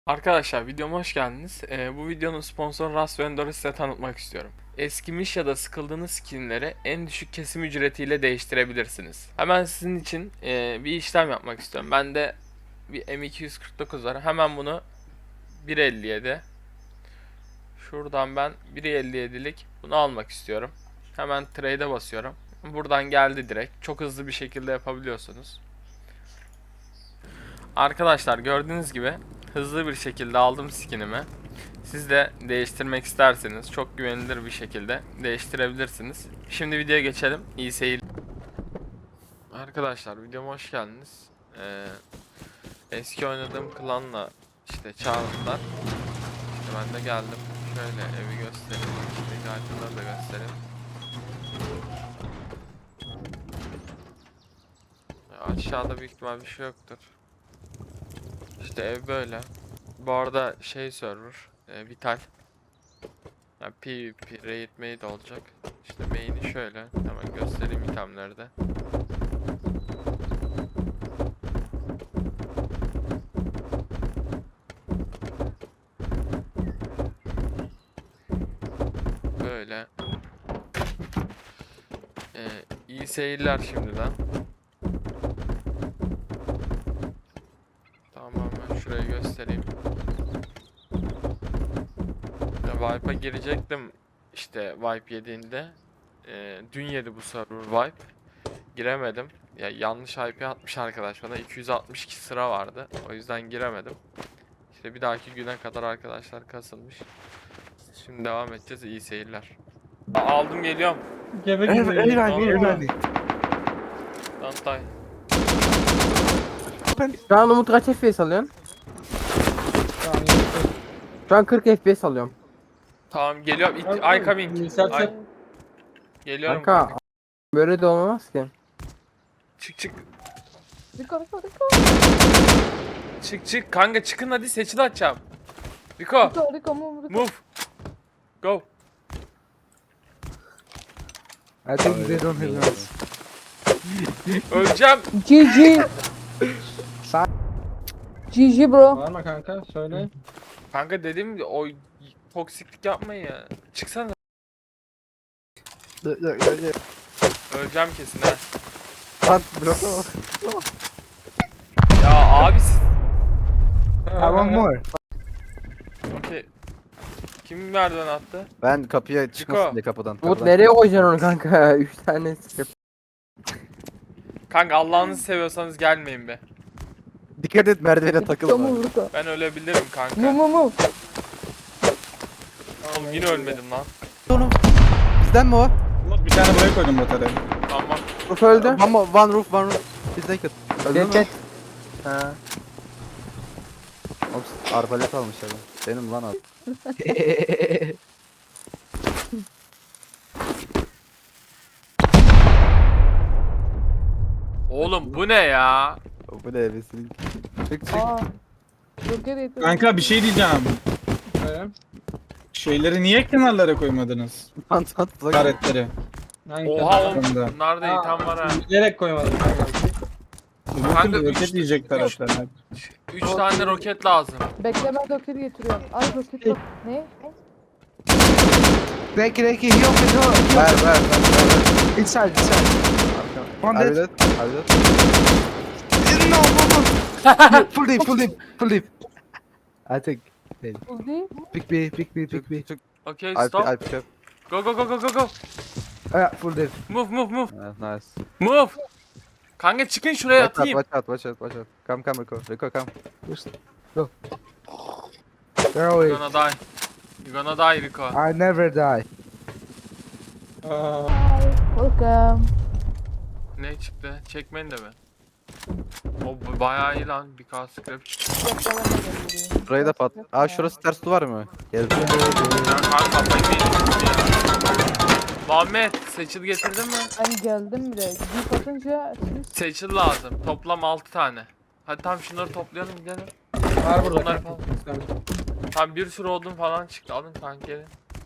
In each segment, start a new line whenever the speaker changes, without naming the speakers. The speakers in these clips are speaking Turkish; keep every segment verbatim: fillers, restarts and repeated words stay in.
Arkadaşlar videoma hoş geldiniz. Ee, bu videonun sponsoru Rust Vendor'u size tanıtmak istiyorum. Eskimiş ya da sıkıldığınız skinleri en düşük kesim ücretiyle değiştirebilirsiniz. Hemen sizin için e, bir işlem yapmak istiyorum. Bende bir M iki yüz kırk dokuz var. Hemen bunu bir elli yedi. Şuradan ben bir elli yedilik bunu almak istiyorum. Hemen trade'e basıyorum. Buradan geldi direkt. Çok hızlı bir şekilde yapabiliyorsunuz. Arkadaşlar gördüğünüz gibi hızlı bir şekilde aldım skinimi. Siz de değiştirmek isterseniz çok güvenilir bir şekilde değiştirebilirsiniz. Şimdi videoya geçelim. İyi seyirler. Arkadaşlar videoma hoş geldiniz. Ee, eski oynadığım klanla işte çağırdılar. İşte ben de geldim. Şöyle evi göstereyim. İşte itemleri da göstereyim. Ya aşağıda büyük ihtimal bir şey yoktur. İşte ev böyle. Bu arada şey server, e, Vital. Yani PvP, raid maid olacak. İşte main'i şöyle. Hemen göstereyim itemleri de. Böyle. Ee, iyi seyirler şimdiden. Tamam ben şurayı göstereyim. Wipe'a girecektim. İşte Wipe yediğinde. Ee, dün yedi bu server Wipe. Giremedim. Ya yanlış I P atmış arkadaş bana. iki yüz altmış iki sıra vardı. O yüzden giremedim. İşte bir dahaki güne kadar arkadaşlar kasılmış. Şimdi devam edeceğiz. İyi seyirler. Aldım geliyorum.
Gebe
Ev,
gibi.
ev
Tamam.
ready, ev ready.
Dantay.
Şu an Umut kaç F P S alıyorsun?
Tamam,
Şu an kırk F P S alıyorum.
Tamam geliyorum. It,
Tamam,
I coming.
Yükselt-
Ay, geliyorum.
Kanka böyle de olmaz ki.
Çık çık.
Riko Riko Riko
Çık çık. Kanka çıkın hadi seçil açacağım. Rico.
Riko Riko move Riko.
Move. Go.
I think they don't have guns.
Öleceğim.
G G. G G bro.
Bağırma kanka söyle.
Kanka dedim ya, o toksiklik yapmayın ya. Çıksana.
Look, look, look, look.
Öleceğim kesin ha.
Lan bro.
Ya abi siz...
I want more.
Okey. Kim merdiven attı?
Ben kapıya çıkmasın
Chico.
diye kapıdan.
Umut
kapıdan.
nereye koyacaksın onu kanka? üç tane sıkıp.
Kanka Allah'ınızı seviyorsanız gelmeyin be.
Dikkat et merdivene
Riko
takılma.
move Riko.
Ben ölebilirim
Move
kanka.
move move.
Oğlum yine ölmedim lan.
Onu. Bizden mi o?
Umut bir tane buraya koydum bataryayı.
Tamam.
Ruf öldü.
One, more, one roof, one roof. Bizden kötü. Öldü
Geç
mü?
geç. Ha.
Ops, arbalet almış adam. Benim lan abi.
Oğlum bu ne ya?
Bu ne evesin? Çık çık.
Aa. Roket yetiyor.
Kanka bir şey diyeceğim.
Söyle.
Şeyleri niye kenarlara koymadınız?
Pant pant plug.
Karetleri.
Hangi
Oha
kadar?
oğlum.
Bunda.
Bunlarda
Aa,
item var ha.
Bilerek koymadım kanka.
Kanka,
Kanka
üç-
roket yiyecek taraflar.
üç tane roket lazım.
Bekle ben roket getiriyorum. Ay roket yok. Ne?
Reki reki yok yok. Ver ver ver. ver. Inside inside. One dead. Are you dead? No no no. Full deep full deep full deep. I think.
Bu değil.
Pick B pick B pick B.
Okey
I
stop.
I pick up.
Go go go go go go.
Ah full deep.
Move move move.
Yeah, nice.
Move. Kanka çıkın şuraya
Watch out,
atayım.
watch out, watch out, watch out. Come, come, Rico, Rico, come. Just go. Where are
You're gonna die. You're gonna die Rico.
I never die.
Aa,
Welcome.
Ne çıktı? Çekmeyin de mi? O bu bayağı iyi lan. Bir K scrap çıktı.
Yapalım da
Burayı da pat. Aa şurası ters duvar mı? Gel.
Ya kanka kafayı yedim ya. Muhammed seçil getirdin mi?
Ben geldim bile. Jeep atınca siz
Seçil lazım. Toplam altı tane. Hadi tamam şunları toplayalım gidelim.
var burada
Bunlar
kanka.
Tam bir sürü odun falan çıktı. Alın kanka gelin.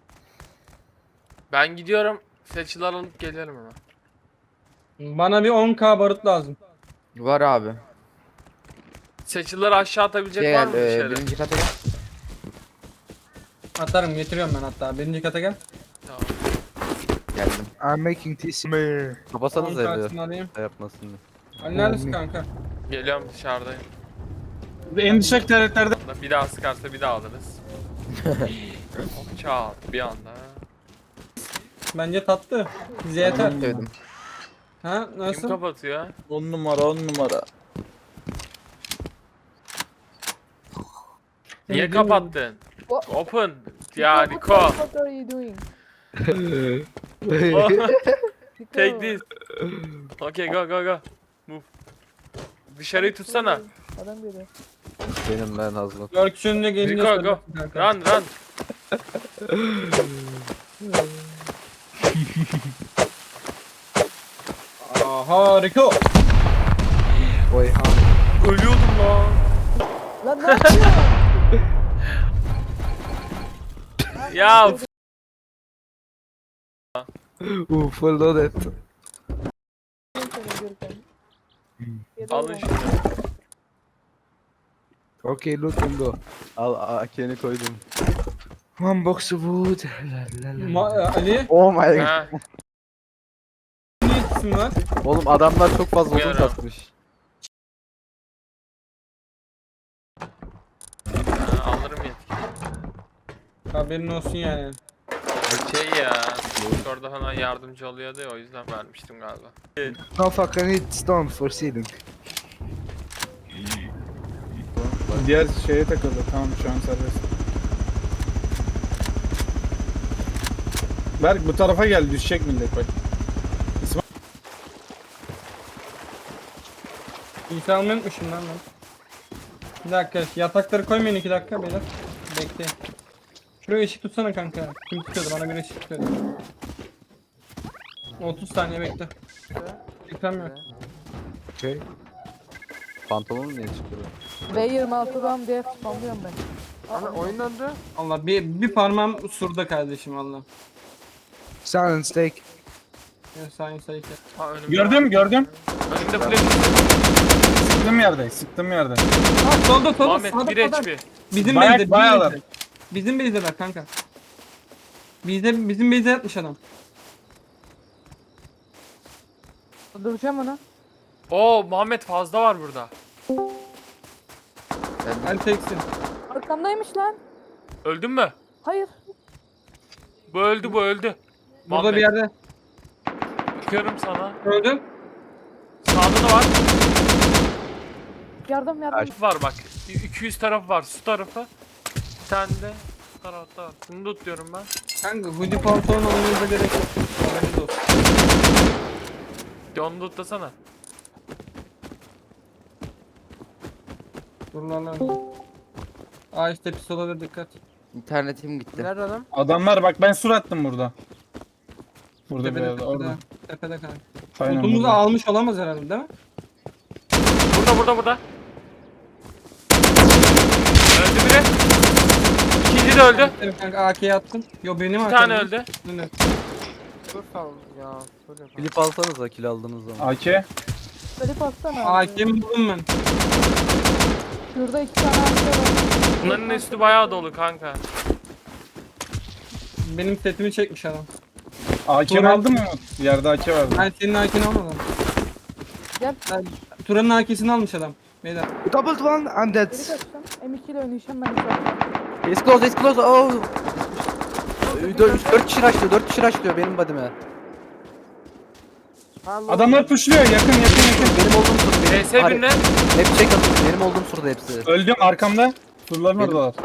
Ben gidiyorum. Seçil alıp gelirim hemen.
Bana bir on K barut lazım.
Var abi.
Seçilleri aşağı atabilecek
Gel
var mı bir
e,
şeyler?
birinci kata gel.
Atarım getiriyorum ben hatta. Birinci kata gel.
Tamam.
Geldim. I'm making tea smear.
Kapasanız
On
evi.
kartını alayım.
Şey yapmasın diye.
Ali neredesin kanka?
Geliyorum dışarıdayım.
En düşük tarihlerde
Bir daha sıkarsa bir daha alırız. Hop çat bir anda.
Bence tatlı. Bize yeter.
Sevdim.
Ha
Kim
nasıl?
kapatıyor?
on numara on numara.
Niye
Bilmiyorum.
kapattın?
What?
Open. Ya
What-
Niko.
What are you doing? Niko.
Take this. Okay go go go. Move. Dışarıyı tutsana.
Adam geliyor.
Benim ben hazırım.
Dört önüne gelince
Rico,
söylersin
go.
kanka.
Run run.
Aha Rico.
Oy ha.
Ölüyordum lan.
Lan ne yapıyorsun?
Ya f-
Ooh, full loaded.
alın şunu.
Okay, loot and go.
Al A K'ni koydum.
One box of wood. La, la, la.
Ma- e, Ali
Oh my god.
Ha,
ne isim var?
Oğlum adamlar çok fazla odun
Uyarım.
kasmış.
ha, alırım yetki.
Haberin olsun yani.
Şey ya. Orada falan yardımcı oluyordu ya o yüzden vermiştim galiba.
No fuck, I need stone for ceiling.
Diğer şeye takıldı. Tamam şu an serbest. Berk bu tarafa gel, düşecek millet bak.
İlk almayı unutmuşum lan ben. Bir dakika yatakları koymayın iki dakika beyler. Bekleyin. Şuraya ışık tutsana kanka. Kim tutuyordu bana bir ışık tutuyordu. otuz saniye bekle. Ekran yok.
Okay.
Pantolonu niye çıkıyor?
V yirmi altıdan diye spamlıyorum ben.
Ana oyun döndü.
Allah bir, bir parmağım surda kardeşim valla.
Silence take.
Ya sayın sayın.
Ha, önümde
Gördüm
var.
gördüm.
Önümde flash.
Sıktığım yerde, sıktığım yerde.
Ha solda solda
Muhammed
sağda
bir
sağda.
H P.
Bizim
Bayağı-
base'de bizim
bayağılar.
base'de. Bizim base'deler kanka. Bizde bizim base'de yatmış adam.
Duracağım onu.
Oo Muhammed fazla var burada.
El teksin.
Arkamdaymış lan.
Öldün mü?
Hayır.
Bu öldü bu öldü.
Burada
Muhammed,
bir yerde.
Bakıyorum sana.
Öldüm.
Sağda da var.
Yardım yardım.
Var bak. iki yüz tarafı var. Su tarafı. Bir tane de bu tarafta var. Bunu da tutuyorum ben.
Kanka hoodie pantolon almanıza gerek yok. Haberiniz olsun.
De onu da tutlasana.
Dur lan lan. Aa işte pis olabilir dikkat.
İnternetim gitti.
Nerede adam?
Adamlar bak ben sur attım burada. Burada bir
Tepede
yerde, orada.
tepede. Tepede kanka.
Aynen
Odumuzu
burada.
almış olamaz herhalde değil mi?
Burada burada burada. Öldü biri. İkinci de öldü.
Evet kanka A K'ye attım. Yo benim
Bir tane öldü.
Evet.
Dur sağ ol ya. Klip alsanıza kill aldığınız zaman.
A K.
Böyle bassana.
A
abi.
K'mi buldum ben.
Şurada iki tane arka var.
Bunların üstü bayağı dolu kanka.
Benim setimi çekmiş adam.
A K'mi
Turan-
aldın mı? Yerde A K vardı.
Ben senin A K'ni almadım.
Gel.
Ben Turan'ın A K'sini almış adam. Beyler.
Doubled one, I'm dead.
Geri kaçtım. M iki ile oynayacağım ben zaten.
It's close, it's close. Oh. dört kişi rushlıyor, dört kişi rushlıyor benim body'me.
Adamlar pushluyor, yakın yakın yakın.
Benim olduğum sur benim.
V S
Hayır,
birine.
hep check atın. Benim olduğum surda hepsi.
Öldüm arkamda. Surların
Benim-
oradalar.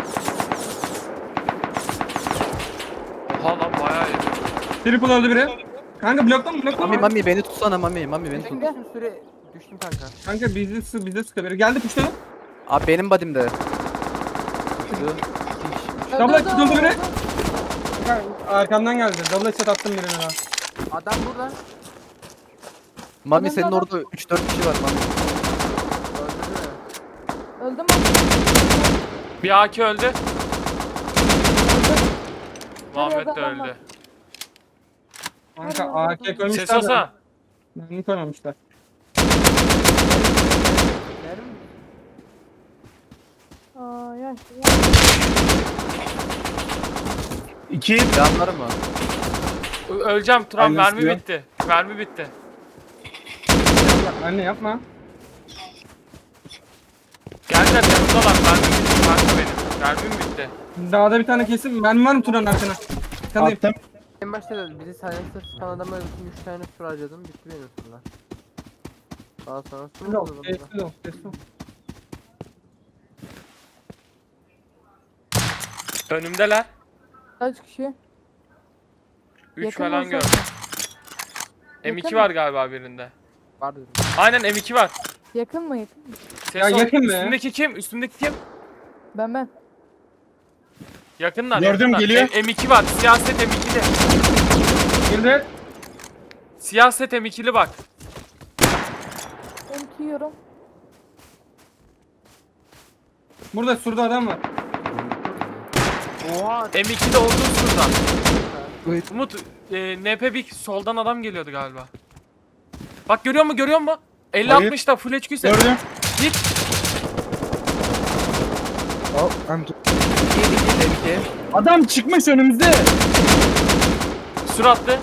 Oha lan bayağı iyi.
Triple öldü biri. Kanka bloktan bloktan.
Mami mami beni tutsana mami. Mami beni tut.
Gel.
Süre düştüm kanka.
Kanka bizde sı bizde sıkı biri. Geldi puşladı.
Abi benim body'mde. Düştü.
Double
Öldü,
headshot oldu
öldü,
biri.
öldü.
Kanka, arkamdan geldi. Double headshot attım birine daha.
Adam burada. Mami
Adam
senin
adam.
orada üç dört kişi var Mami.
Öldüm
Bir A K öldü. Muhammed de
adam var.
öldü.
Kanka A K koymuşlar.
Ses olsa.
Mermi koymamışlar.
Ay ay.
İki.
Yanları mı?
Ö- Öleceğim Turan,
Aynen,
mermi
istiyor.
bitti. Mermi bitti.
Anne yapma.
Geldiler yanımdalar, mermi bitti kanka benim. Mermim bitti.
Dağda bir tane kesin. Ben var mı Turan arkana? Kanayım.
Attım.
En başta da biri silencer çıkan adama üç tane sur harcadım. Bitti benim surlar. Daha sonra sur
Sessiz ol,
oldu bunda.
sessiz ol, sessiz ol.
Önümdeler.
Kaç kişi?
üç
Yakın
falan
olsa-
gördüm. M iki
Yakın
var
mı?
galiba birinde.
Var dedim.
Aynen M iki var.
Yakın mı yakın mı?
Ses
Ya
ol-
yakın be.
Üstündeki kim? Üstündeki kim?
Ben ben.
Yakınlar.
Gördüm,
yakınlar.
geliyor.
M- M2 var. Siyaset M ikili.
Girdi.
Siyaset M ikili bak.
M iki yiyorum.
Burada surda adam var.
Oha.
M ikide olduğu şurada.
Wait.
Umut, e, N P bir soldan adam geliyordu galiba. Bak görüyor musun? Görüyor musun? elli
Hayır.
altmışta full H Q set.
Gördüm.
Git.
Oh, I'm
İki iki iki.
Adam çıkmış önümüzde.
Süratli.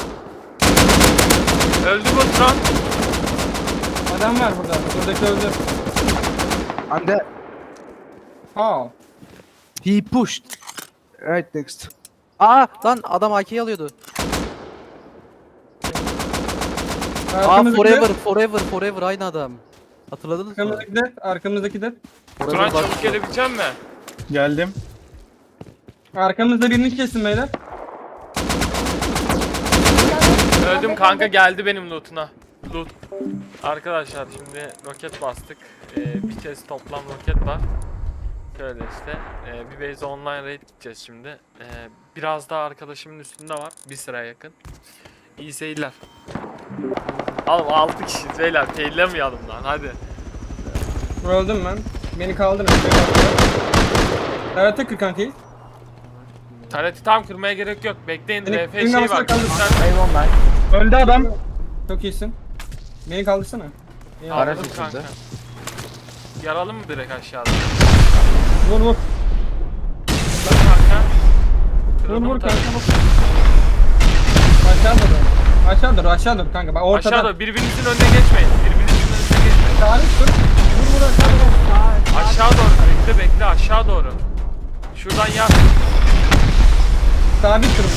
Öldü bu Turan.
Adam var burada. Buradaki öldü.
I'm dead.
How?
He pushed. Right next.
Aa lan adam A K'yi alıyordu. Aa
Arkamızdaki
forever
de.
forever forever aynı adam. Hatırladınız mı?
Arkamızdaki de. Arkamızdaki de.
Forever
Turan
bak-
çabuk gelebilecek mi?
Geldim.
Arkamızda birini kesin beyler.
Öldüm kanka, geldi benim loot'una. Loot. Arkadaşlar şimdi roket bastık. Ee, bir kez toplam roket var. Şöyle işte. Ee, bir base online raid gideceğiz şimdi. Ee, biraz daha arkadaşımın üstünde var. Bir sıra yakın. İyi seyirler. Oğlum altı kişi beyler, faillemeyelim lan hadi.
Öldüm ben. Beni kaldırın. Evet tek kanka.
Tareti tam kırmaya gerek yok. Bekleyin,
Beni-
R F
beni
şey
kafasına
var.
kaldır.
Sen
Öldü adam.
Çok iyisin. Beni kaldırsana. İyi,
Anladım
anladım.
kanka. Yaralım mı direkt aşağıda?
Vur vur.
Dur kanka.
Vur
Kırıldı mı
vur
tareti?
kanka. Aşağı dur. Aşağı dur aşağı dur kanka. Bak ortada.
Aşağıda birbirinizin önüne geçmeyin. Birbirinizin önüne geçmeyin.
Tarih dur. Vur vur aşağı dur.
Aşağı doğru bekle bekle aşağı doğru. Şuradan yap.
Sabit dur.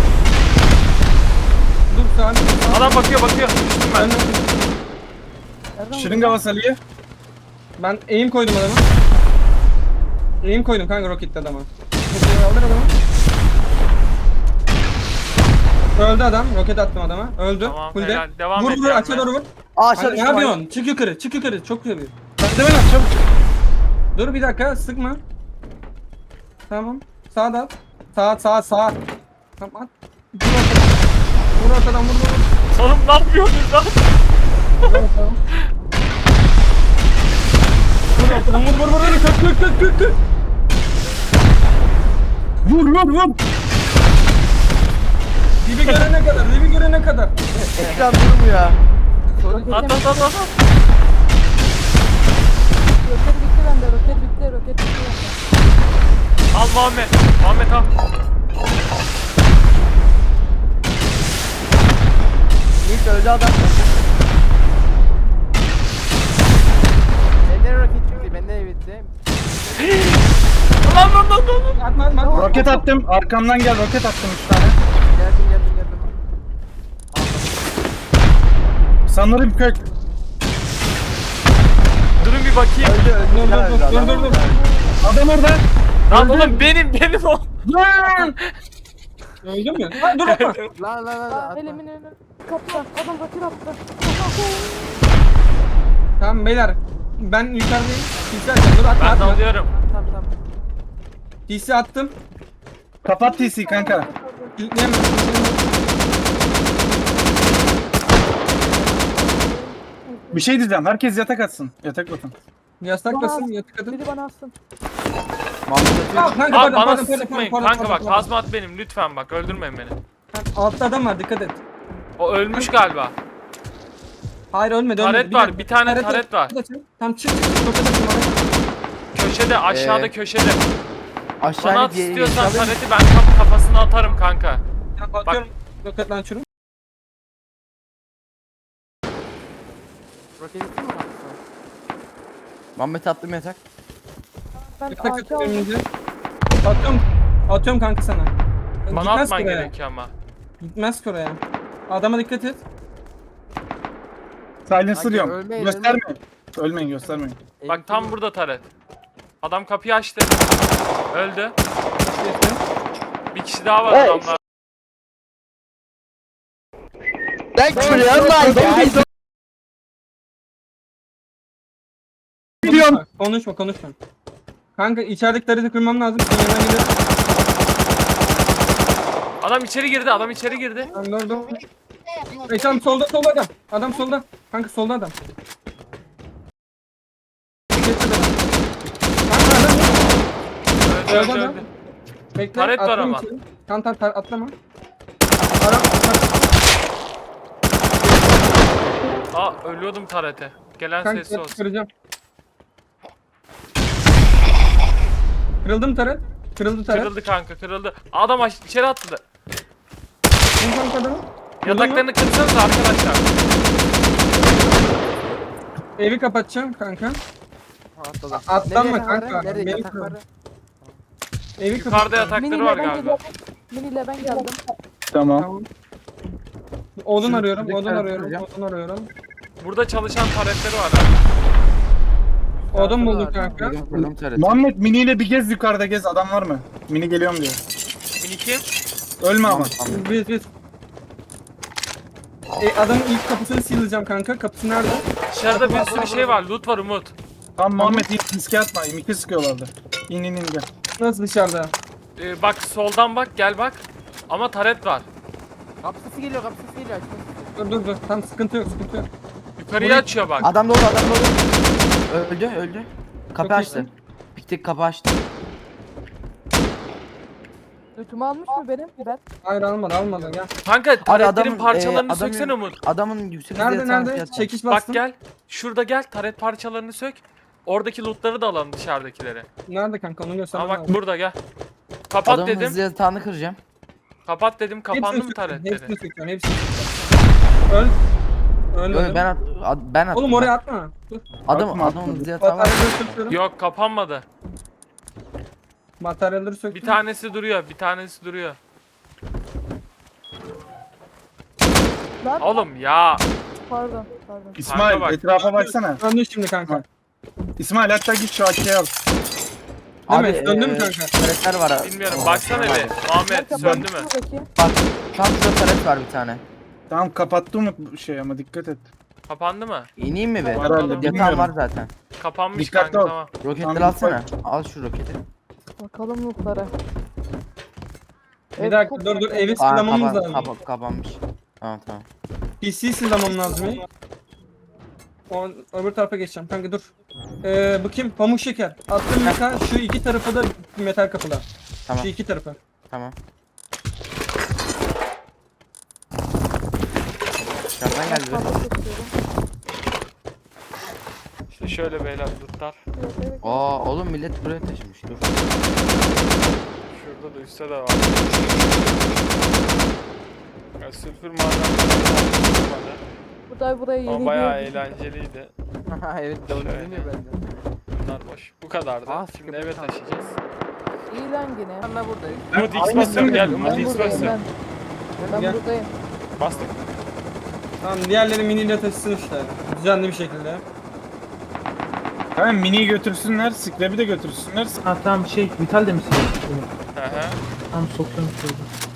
Dur sabit.
Adam bakıyor bakıyor. Düştüm ben.
Ben,
Nereden
Şırınga basalıyı.
ben aim koydum adama. Aim koydum kanka roketle adama. Roketle kaldır adamı. Öldü adam. Roket attım adama. Öldü.
Tamam,
Full de.
helal. Devam
vur
et
vur
yani.
aşağı doğru vur.
Aa
Kanka, ne yapıyorsun? Çık yukarı. Çık yukarı. Çok yapıyor.
Ben de ben at çabuk.
Dur bir dakika sıkma. Tamam. Sağa da at. Sağa sağa sağa. Tamam at. Vur ortadan. Vur ortadan vur vur. vur.
Oğlum ne yapıyorsunuz lan?
Vur ortadan. Vur ortadan vur vur vur vur. Kök kök kök kök kök.
Vur vur vur.
Dibi görene kadar. Dibi görene kadar.
Ekran durmuyor.
At at at at. at.
Roket bitti bende. Roket bitti. Roket bitti bende.
Al Muhammed. Muhammed al.
İlk öldü adam. Benden roket bitti. Benden bitti.
Lan lan lan lan.
Atma atma. atma.
Roket attım. Arkamdan gel roket attım üç tane.
Geldim geldim geldim.
Sanırım kök.
Durun bir bakayım.
Dur dur dur dur dur dur.
Adam orada.
Lan oğlum benim benim o.
Lan.
Öldün mü? Lan dur atma.
Lan lan lan
Aa,
atma.
elimin önü. Kaptan. Adam roket attı.
Tamam beyler. Ben yukarıdayım. P C atacağım. Dur atma
Ben de
atma.
alıyorum.
Tamam tamam.
P C attım.
Kapat T C kanka.
İlkleyemem.
Bir şey diyeceğim. Herkes yatak atsın. Yatak bakın.
Yasaklasın yatık atın.
Biri bana atsın.
Aa, kanka
Abi
pardon
bana
pardon pardon
sıkmayın.
pardon
Kanka
pardon,
bak
pardon.
hazmat benim lütfen bak öldürmeyin beni.
Altta adam var dikkat et.
O ölmüş galiba.
Hayır ölmedi
Taret
ölmedi.
var,
dakika.
bir tane taret var.
Tam çık çık çık roket atın bana.
Köşede aşağıda
Ee,
köşede.
Aşağı
Bana at
diye-
istiyorsan
aşağı-
tareti ben kap kafasına atarım kanka.
Ya atıyorum. Roket launcher'ı.
Roket bitti mi kanka?
Muhammed attım yatak.
Ben
Yatak
A K
atıyorum
aldım.
önce. Atıyorum. Atıyorum kanka sana.
Bana
Gitmez
atman
ki oraya.
gerekiyor ama.
Gitmez ki oraya. Adama dikkat et.
Silencer
Kanka,
diyorum.
ölmeyin,
Göstermeyin. Ölmeyin göstermeyin.
Bak tam burada taret. Adam kapıyı açtı. Öldü.
Geçtim.
Bir kişi daha var adamlar.
Thanks for your life guys.
Konuşma, konuşma, konuşma. Kanka içerideki tarihte kırmam lazım. Senin yanına gelir.
Adam içeri girdi, adam içeri girdi.
Tamam, dur, dur. Ey tamam, solda, solda adam. Adam solda. Kanka solda adam. Geçti adam. Kanka adam.
Öldü,
Öldü
öldü,
adam.
öldü.
Bekle.
Taret var
atlayayım
ama.
içeri. Tamam tamam tar- atlama. Ara,
Aa ölüyordum tarete. Gelen
kanka
sesi olsun.
kıracağım. Kırıldı mı taret? Kırıldı taret.
Kırıldı kanka, kırıldı. Adam aş- içeri attı.
Kim kanka adamı?
Yataklarını kırsanız arkadaşlar.
Evi kapatacağım kanka.
Ha, atladım.
A- atlanma
Nerede yatak var?
kanka,
Nerede
benim
yatak var?
Evi
Yukarıda
kapatacağım.
yatakları
Mini
var
ile ben
galiba.
geldim. Mini ile ben geldim.
Tamam.
Tamam. Odun
Şu
arıyorum,
üstteki
odun
tarafı
arıyorum,
kıracağım.
odun arıyorum.
Burada çalışan taretleri var.
Odun bulduk
var.
kanka.
Kırdım kırdım tarafı.
Muhammed Mini ile bir gez yukarıda gez. Adam var mı? Mini geliyorum diyor.
Mini kim?
Ölme ama.
Biz biz. E, adamın ilk kapısını sileceğim kanka. Kapısı nerede?
Dışarıda bir sürü şey var. Loot var Umut.
Tamam Muhammed in riske atma. İmiki sıkıyorlardı. İn in in gel.
Nasıl dışarıda?
Ee, bak soldan bak, gel bak. Ama taret var.
Kapı sesi geliyor, kapı sesi geliyor. Açma.
Dur dur dur. Tamam sıkıntı yok, sıkıntı yok.
Yukarıya
Burayı-
açıyor bak.
Adam dolu adam dolu. Öldü öldü. Kapı
Çok
açtı. Piktik kapı açtı.
Lütümü almış mı benim? Biber.
Hayır almadı, almadı. Gel.
Kanka
Abi
taretlerin
adamın,
parçalarını
e, adamın-
söksene Umut.
Adamın yüksek
Nerede
hızlı yatağını
nerede?
fiyatı-
Çekiş
Bak
bastım.
gel. Şurada gel, taret parçalarını sök. Oradaki lootları da alalım, dışarıdakileri.
Nerede kanka? Onu
Ama
göstermem
bak
lazım.
burada gel. Kapat
Adamın
dedim.
hızlı yatağını kıracağım.
Kapat dedim. Kapandı
Hepsini
mı
söküyorum,
taretleri?
Hepsini söküyorum, hepsini söküyorum. Öl. Ölmedim.
Yo, ben at, ad- ben attım.
Oğlum
ben.
oraya atma. Dur.
Adam
Atma,
adamın
atma.
hızlı yatağı var.
Materyalleri söküyorum.
Yok, kapanmadı.
Materyalleri söktüm.
Bir tanesi duruyor, bir tanesi duruyor.
Lan
Oğlum ya.
pardon pardon.
İsmail
bak.
etrafa baksana.
Döndü şimdi kanka.
İsmail hatta git şu açıyı al.
Değil mi?
Abi,
Döndü mü
e,
kanka?
Taretler var abi.
Bilmiyorum, baksana bir. Muhammed söndü mü?
Bakayım.
Bak tam şurada taret var bir tane.
Tamam kapattı mı bu şey ama dikkat et.
Kapandı mı?
İneyim mi be?
Herhalde,
Yatağım
bilmiyorum.
var zaten.
Kapanmış
Dikkatli
kanka,
ol.
tamam.
Roketleri
Tamam,
alsana. Al şu roketi.
Bakalım lootlara.
Bir
Ev
dakika
çok
dur dur
güzel.
evi
Aa,
sılamamız
kapan,
lazım.
kapan, kapanmış. Tamam tamam.
P C sılamam lazım ya. O, öbür tarafa geçeceğim kanka dur. Ee, bu kim? Pamuk şeker. Attığım metal şu iki tarafı da metal kapılar.
Tamam
Şu iki tarafı.
tamam. Dışarıdan geldi be.
Fazla seçiyorum.
İşte şöyle beyler lootlar.
Evet, evet.
Aa oğlum millet buraya taşımış dur.
Şurada da üstte de var. Ya, sülfür madenleri
Buraya buraya yeni
ama bayağı
bir-
eğlenceliydi.
Evet, doğru
Şöyle.
dinliyor bende.
Bunlar boş. Bu kadardı.
Aa,
Şimdi
sıkı
eve
bir kamp.
taşıyacağız.
İyi lan yine.
Ben de buradayım.
Umut X basıyorum, gel Umut
Ben
X
buradayım
basıyorum.
ben. Ben
Gel.
buradayım.
Bastık.
Tamam diğerleri miniyle taşısın işte. Düzenli bir şekilde.
Tamam Mini'yi götürsünler. Scrap'i de götürsünler.
Ha tamam şey vital de misin?
Hı hı.
Tamam sokuyorum şurada.